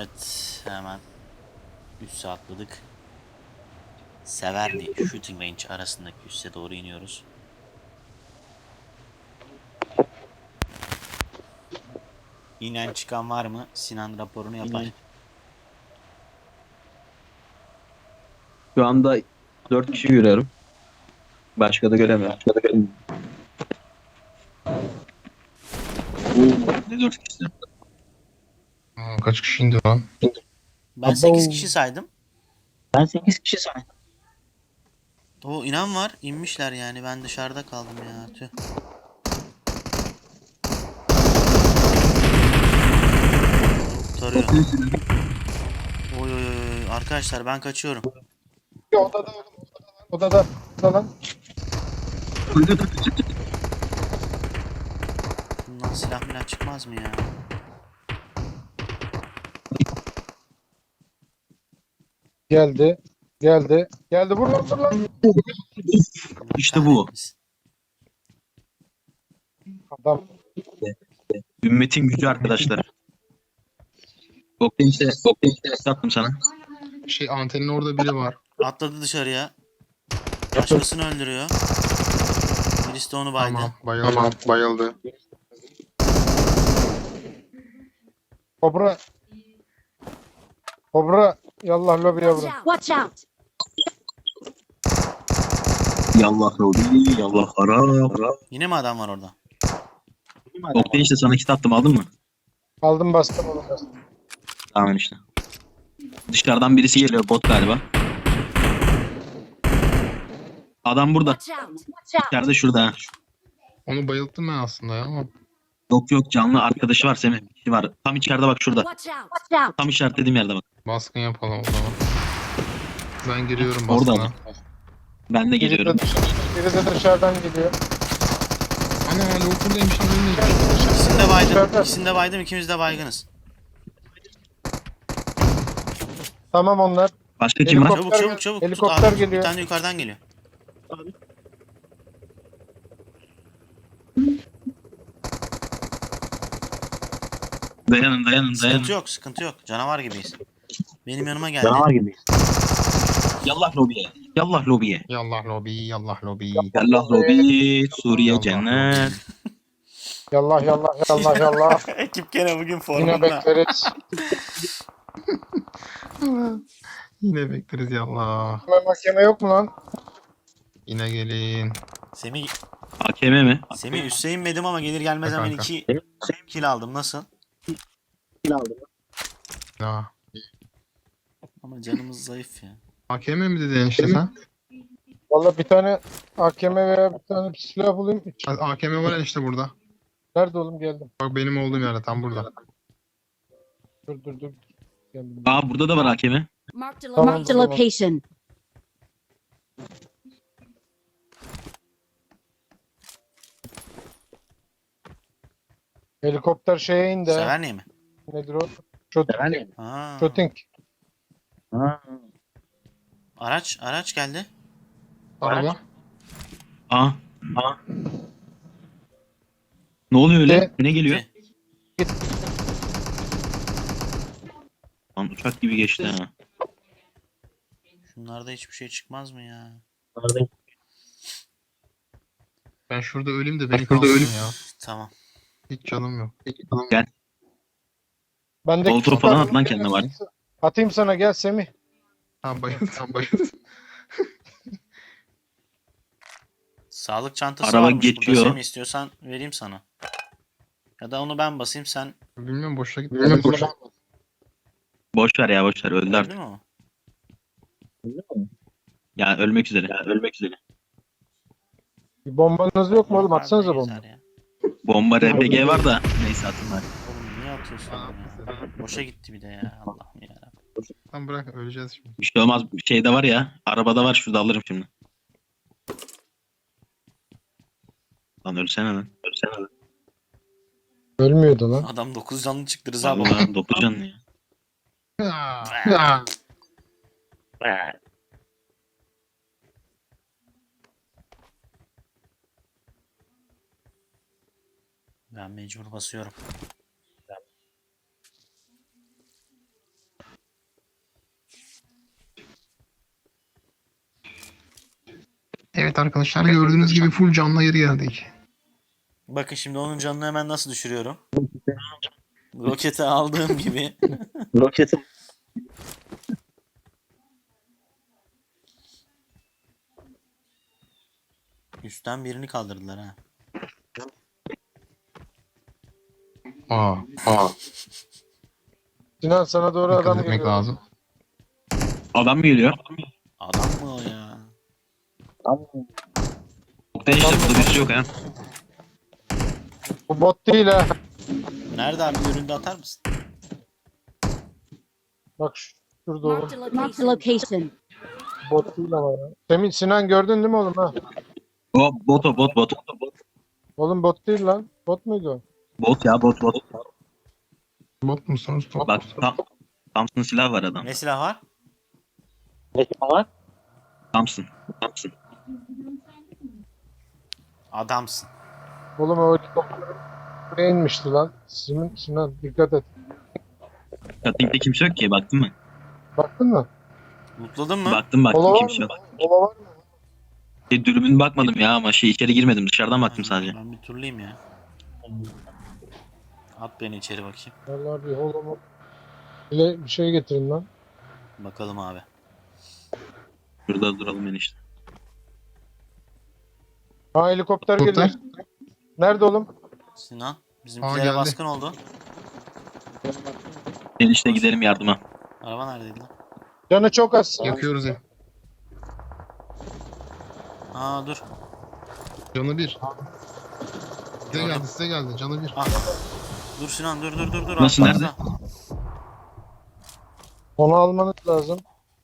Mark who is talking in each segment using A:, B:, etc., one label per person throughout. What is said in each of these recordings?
A: Evet, hemen üsse atladık. Severni Shooting Range arasındaki üsse doğru iniyoruz. İnen çıkan var mı? Sinan raporunu yapar.
B: Şu anda 4 kişi görüyorum. Başka da göremiyorum. Ne 4 kişi?
C: Kaç kişi indi lan?
A: Ben 8 kişi saydım.
B: Ben 8 kişi saydım.
A: O inan var. İnmişler yani. Ben dışarıda kaldım ya. Tüh. Kurtarıyor. Oy oy oy. Arkadaşlar ben kaçıyorum.
C: Odada lan.
A: Bundan silah milah çıkmaz mı ya?
C: Geldi. Vur lan.
A: Allah
B: İşte bu.
A: kahretmesin.
C: Adam.
B: Ümmetin gücü arkadaşlar. Oktay işte sattım sana.
C: Antenin orada biri var.
A: Atladı dışarıya. Başkasını öldürüyor. Birisi de onu baydı.
C: Bayıldı. Kobra. Yallah lobiye vurun.
D: Watch out!
B: Yallah Robi, yallah ara.
A: Yine mi adam var orada?
B: Oktay işte sana kit attım, aldın mı?
C: Aldım bastım onu.
B: Tamam işte. Dışarıdan birisi geliyor, bot galiba. Adam burada.
D: Watch out! Watch out!
B: İçeride şurada.
E: Onu bayılttım ben aslında ya ama
B: Yok canlı arkadaşı var Semih. Bir kişi var. Tam içeride bak şurada.
D: Watch out! Watch out!
B: Tam işaretlediğim yerde bak.
E: baskın yapalım o zaman. Ben giriyorum
B: Orada
E: baskına.
B: mı? Ben de geliyorum.
C: Biri de dışarıdan geliyor.
E: Ana Liverpool'daymış lan önüne.
A: İkisini de baydım.
C: Dışarıda.
A: İkisini de baydım. İkimiz de baygınız.
C: Tamam onlar.
B: Başka kim var?
A: Çabuk çabuk çabuk. Tut
C: Helikopter
A: abi.
C: geliyor.
A: Bir tane yukarıdan geliyor.
B: Dayanın.
A: Sıkıntı yok, sıkıntı yok. Canavar gibiyiz. Benim yanıma geldi.
B: gibi. Yallah lobiye. Yallah lobiye.
E: Yallah lobi, yallah lobi.
B: Yallah lobi. Suriye
E: Yallah
B: cennet.
C: Yallah.
A: Ekip gene bugün
C: Yine
A: formunda.
C: bekleriz.
E: Yine bekleriz yallah.
C: Mahkeme yok mu lan?
E: Yine gelin.
A: Semih,
B: AKM mi?
A: Semih üste inmedim ama gelir gelmez hemen
E: Kanka.
A: 2 kill aldım. Nasıl?
E: Ya.
A: Ama canımız zayıf ya.
E: AKM mi dedin işte sen?
C: Valla bir tane AKM veya bir tane silah bulayım.
E: AKM var işte burada.
C: Nerede oğlum geldim.
E: Bak benim olduğum yerde tam burada.
C: Dur. Geldim.
B: Aa burada da var AKM.
D: Marked a,
C: Tamam,
D: marked a
C: tamam.
D: location.
C: Helikopter şeye indi. ha.
A: Sever mi?
C: Nedir o? Shooting.
A: Ha.
C: Shooting.
A: Araç geldi.
E: Araba.
B: Aa. Ne oluyor öyle?
C: De-
B: Ne geliyor?
A: Gitti.
B: Lan uçak gibi geçti ha.
A: Şunlarda hiçbir şey çıkmaz mı ya?
E: Ben şurada öleyim de beni kalsın ya.
A: Tamam.
E: Hiç canım yok.
C: Bende
B: Molotov
C: kit
B: falan
C: var.
B: at lan kendine var.
C: Atayım sana gel Semih.
E: Tamam bayıldım.
A: Sağlık çantası
B: Araba
A: varmış burada.
B: geçiyor.
A: Semih istiyorsan vereyim sana. Ya da onu ben basayım sen.
E: Bilmiyorum boşa gitti.
B: Boş ver öldü
A: Öldü
B: artık.
A: mü o?
B: Ya ölmek üzere.
C: Bir bombanız yok mu oğlum?
A: Yok abi,
C: Atsanıza
A: ne
C: bomba.
A: gezer ya.
B: Bomba RPG var da neyse atın bari.
A: Oğlum niye atıyorsun onu ya? Boşa gitti bir de ya. Allah'ım ya.
E: Tamam bırak öleceğiz şimdi.
B: Bir şey olmaz. Bir şey de var ya. Arabada var, şurada alırım şimdi. Lan ölsene lan.
C: Ölmüyordu lan.
A: Adam 9 canlı çıktı Rıza baba.
B: Vallahi 9 canlı ya.
A: Ben mecbur basıyorum.
E: Evet arkadaşlar gördüğünüz gibi full canlı geri geldik.
A: Bakın şimdi onun canını hemen nasıl düşürüyorum. Roketi aldığım gibi.
B: Roketi.
A: Üstten birini kaldırdılar ha.
E: Aa,
C: Sinan sana doğru
E: dikkat
C: adam
E: etmek
C: geliyor.
E: lazım.
B: Adam mı geliyor?
A: Adam mı o ya?
B: Ben işte burada birisi yok ha.
C: Bu bot değil ha.
A: Nerede abi, göründü, atar mısın?
C: Bak şurada oğlum.
D: Marked a location.
C: Bot değil ama ya. Sinan gördün değil mi oğlum ha?
B: O bot.
C: Oğlum bot değil lan. Bot muydu o?
B: Bot ya bot.
E: Bot musunuz? Top
B: Bak Thompson silah var adam.
A: Ne silah var?
B: Thompson.
A: Adamsın.
C: Oğlum o helikopter buraya inmişti lan. Sinan dikkat et.
B: Cutting'de kimse yok ki, baktın mı?
C: Baktın mı?
A: Mutladın mı?
B: Baktım
C: Kola var
B: kimse
C: mı?
B: yok.
C: Kola var mı?
B: Dürbün bakmadım ya ama içeri girmedim, dışarıdan baktım sadece.
A: Ben bir turlayayım ya. At beni içeri bakayım.
C: Vallahi bir holomu. Bir şey getirin lan.
A: Bakalım abi.
B: Şurada duralım enişte.
C: Ha helikopter
E: Helikopter.
C: geliyor. Nerede oğlum?
A: Sinan. Bizimkilere
E: geldi.
A: baskın oldu.
B: Enişte gidelim yardıma.
A: Araba neredeydi lan?
C: Canı çok az.
E: yakıyoruz ya.
A: Aa dur.
E: Canı bir. Size geldi canı bir.
A: Ah. Dur Sinan, dur.
B: Nasıl,
A: arkamızda.
B: nerede?
C: Onu almanız lazım.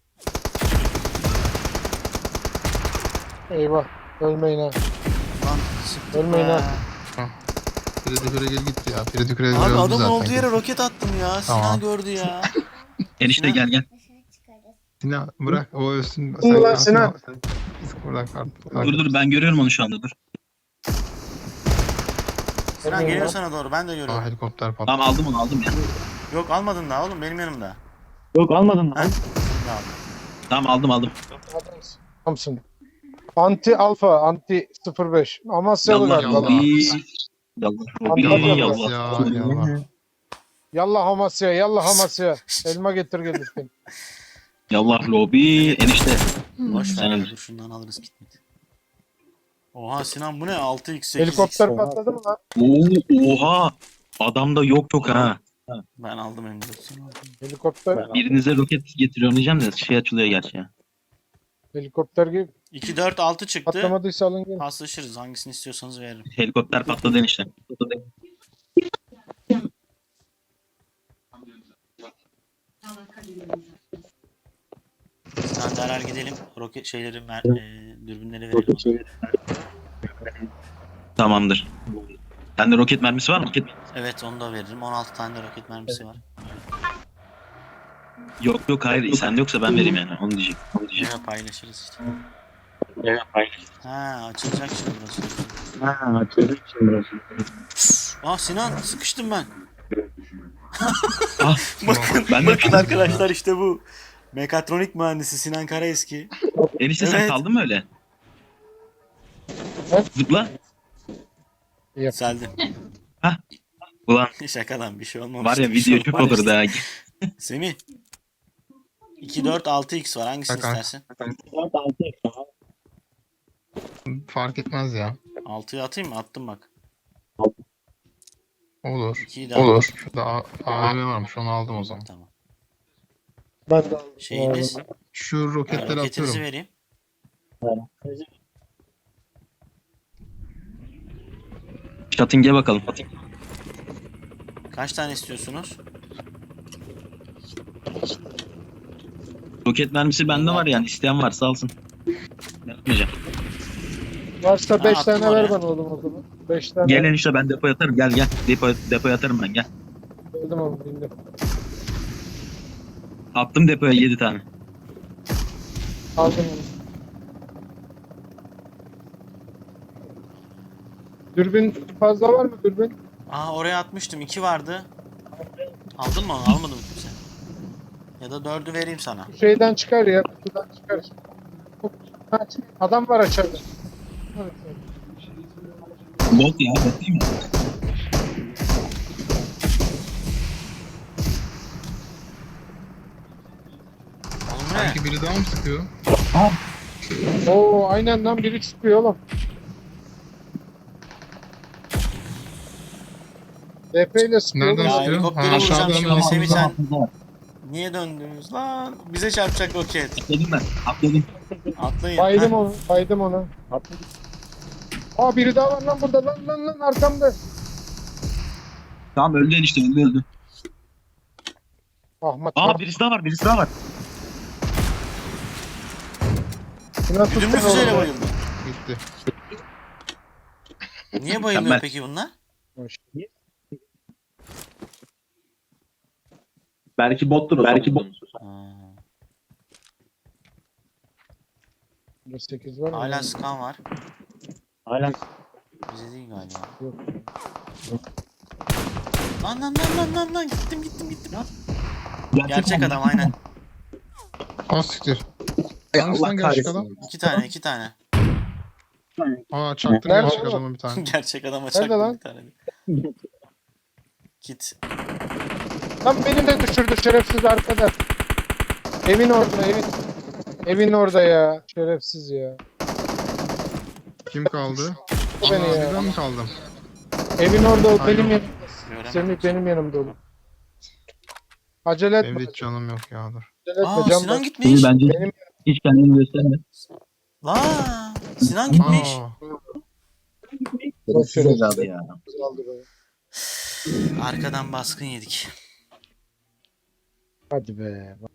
C: Eyvah. Ölmeyin ha.
A: Lan sıktık
C: Ölmeyin
A: be.
C: ha.
E: Freddy Krueger gitti ya. Freddy Krueger
A: Abi
E: öldü
A: adamın
E: zaten.
A: olduğu yere roket attım ya. Sinan
E: Tamam.
A: gördü ya.
B: Enişte gel.
E: Sinan bırak o ölsün.
C: Ulan Sinan.
E: Buradan kart.
B: Dur ben görüyorum onu şu anda, dur.
A: Sinan
C: Ölmeyin
A: geliyor
C: lan.
A: sana doğru. Ben de
E: Aa,
A: görüyorum.
E: helikopter patladı.
B: Tamam aldım ya.
A: Yok almadın daha oğlum, benim yanımda.
B: Yok almadın
A: Ha? Şimdi aldım.
B: Tamam aldım.
C: Thompson. Anti alfa, anti 05. Amasyalı
B: Yallah
C: galiba.
E: yallah.
B: Yallah.
C: Yallah Amasya, yallah Amasya. Elma getir gelirsin.
B: Yallah lobi enişte.
A: Boş ver
B: Sen
A: ya,
B: öl.
A: dur şundan alırız gitmedi. Oha Sinan, bu ne? 6x 8x.
C: Helikopter patladı mı lan?
B: Oha. Adamda yok ha.
A: Ben aldım M4'ü.
C: Helikopter,
B: Birinize roket getiriyorum diyeceğim de şey açılıyor gerçi ya.
C: helikopter gibi
A: 2 4 6 çıktı.
C: patlamadıysa alın gelin.
A: Paslaşırız. Hangisini istiyorsanız veririm.
B: Helikopter patladı enişte.
A: Sinan derhal gidelim. Roket şeyleri, dürbünleri verelim.
B: Tamamdır. Sende roket mermisi var mı?
A: Evet, onu da veririm. 16 tane de roket mermisi var.
B: Yok hayır, sende yoksa ben vereyim yani, onu diyecek.
A: Evet, paylaşırız işte. Ha, açılacak şimdi burası. Aa Sinan, sıkıştım ben.
B: Ah, ben de
A: Bakın arkadaşlar, işte bu. Mekatronik mühendisi Sinan Karaeski.
B: enişte sen
A: Evet.
B: kaldın mı öyle?
C: Evet.
B: Zıpla.
A: Seldim.
B: Ulan
A: Şakadan bir şey olmamış.
B: var ya, video çok olurdu ha.
A: Semih. 2 4 6x var. Hangisini
E: Bakalım.
A: istersin?
E: Fark etmez ya.
A: 6'yı atayım mı? Attım bak.
E: Olur.
A: 2'yi de
E: Olur. Şurada AVM varmış onu aldım o zaman.
A: Tamam.
C: Ben de aldım.
A: Şeyiniz,
E: Şu roketleri
A: roketinizi
E: atıyorum.
A: vereyim.
B: Cutting'e bakalım.
A: Kaç tane istiyorsunuz?
B: Roket mermisi bende var yani, isteyen varsa alsın. Yapmayacağım.
C: Varsa 5
A: attım
C: tane
A: oraya.
C: ver bana oğlum o zaman. 5 tane.
B: Gel enişte, ben depoya atarım, gel. Depoya atarım ben, gel.
C: Geldim oğlum dinle.
B: Attım depoya 7 tane.
C: Aldım onu. Dürbün fazla var mı dürbün?
A: Aa, oraya atmıştım. 2 vardı. Aldın mı onu? Almadın mı kimse? Ya da 4'ü vereyim sana.
C: Şeyden çıkar ya. Kutudan çıkar. Kaç. Adam var aşağıda.
B: Bot ya, bot değil mi?
A: Oğlum bu ne?
E: Sanki biri daha mı sıkıyor?
C: Oo aynen lan biri çıkıyor oğlum. DP ile sıkıyor.
E: Nereden
A: Ya
C: oğlum.
E: sıkıyor?
A: helikopteri
E: Ha,
A: vuracağım
E: aşağıdan
A: şimdi.
E: da
A: Semih sen
B: Var.
A: niye döndünüz lan? Bize çarpacak roket.
B: Atladım ben. Atladım.
A: Atlayın.
C: Baydım
A: Heh.
C: onu. Baydım onu. Aa biri daha var lan burada. Lan arkamda.
B: Tamam öldü enişte, öldü.
C: Ahmet.
B: Aa birisi daha var, birisi daha var.
C: Nasıl
A: Güdümlü
C: tuttun
A: füzeyle
C: oğlum?
A: bayıldı.
E: Gitti.
A: Niye bayılmıyor
B: Mükemmel.
A: peki bunlar?
B: Belki bottur o. Belki bot.
A: Ha.
C: 8 var mı?
A: Hala skan var.
B: Hala.
A: Bize değil galiba.
C: Yok.
A: Lan gittim. Gerçek adam aynen.
E: Az siktir.
B: Ay,
E: Hangisinden
B: Allah
E: gerçek adam?
B: kahretsin.
A: İki tane.
E: Aa çaktım
C: Nerede
E: gerçek
C: oğlum?
E: adamı bir tane.
A: Gerçek adama
C: Nerede
A: çaktım
C: lan?
A: bir tane. Kit.
C: Lan beni de düşürdü şerefsiz arkada. Evin orada evin. Evin orada ya. Şerefsiz ya.
E: Kim kaldı?
C: Bu beni
E: Ana
C: ya.
E: bir ben mi kaldım?
C: Evin orada o
E: Aynen.
C: benim yanımda.
A: Göremedim.
C: Semih benim yanımda oğlum. Acele etme.
E: Benim de hiç canım yok yağdır.
C: Acele etme.
A: Aa
C: Can
A: Sinan
C: bas.
A: gitmiş.
B: Bence
C: Benim
B: hiç kendini gösterme.
A: La Sinan gitmiş.
E: Aa,
C: Boş ver.
B: evladı ya.
C: aldı be.
A: Arkadan baskın yedik.
C: Hadi be.